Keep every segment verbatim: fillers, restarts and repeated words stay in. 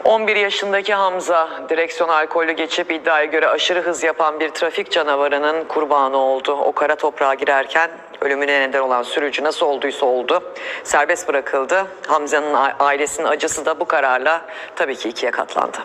on bir yaşındaki Hamza, direksiyon alkolü geçip iddiaya göre aşırı hız yapan bir trafik canavarının kurbanı oldu. O kara toprağa girerken ölümüne neden olan sürücü nasıl olduysa oldu, serbest bırakıldı. Hamza'nın ailesinin acısı da bu kararla tabii ki ikiye katlandı.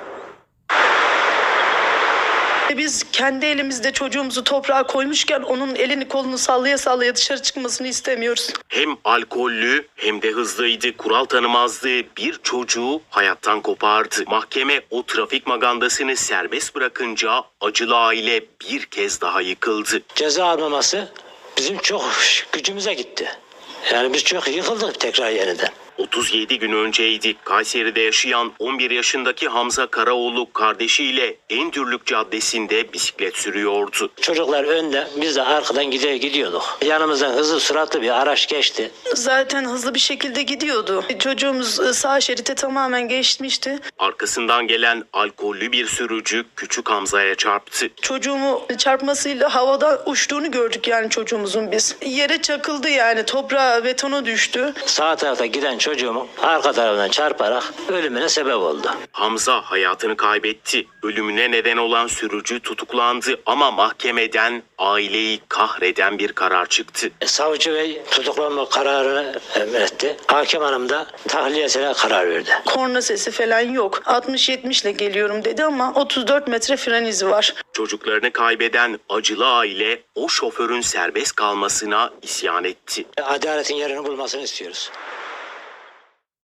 Biz kendi elimizde çocuğumuzu toprağa koymuşken onun elini kolunu sallaya sallaya dışarı çıkmasını istemiyoruz. Hem alkollü hem de hızlıydı. Kural tanımazlığı bir çocuğu hayattan kopardı. Mahkeme o trafik magandasını serbest bırakınca acılı aile bir kez daha yıkıldı. Ceza almaması bizim çok gücümüze gitti. Yani biz çok yıkıldık tekrar yeniden. otuz yedi gün önceydi. Kayseri'de yaşayan on bir yaşındaki Hamza Karaoğlu kardeşiyle Endürlük Caddesi'nde bisiklet sürüyordu. Çocuklar önde, biz de arkadan gidiyor gidiyorduk. Yanımızdan hızlı süratli bir araç geçti. Zaten hızlı bir şekilde gidiyordu. Çocuğumuz sağ şerite tamamen geçmişti. Arkasından gelen alkollü bir sürücü küçük Hamza'ya çarptı. Çocuğumu çarpmasıyla havada uçtuğunu gördük yani çocuğumuzun biz. Yere çakıldı yani toprağa, betona düştü. Sağ tarafta giden çocuğumun arka tarafından çarparak ölümüne sebep oldu. Hamza hayatını kaybetti. Ölümüne neden olan sürücü tutuklandı ama mahkemeden aileyi kahreden bir karar çıktı. Savcı Bey tutuklanma kararını emretti. Hakim Hanım da tahliyesine karar verdi. Korna sesi falan yok. altmış yetmiş ile geliyorum dedi ama otuz dört metre fren izi var. Çocuklarını kaybeden acılı aile o şoförün serbest kalmasına isyan etti. Adaletin yerini bulmasını istiyoruz.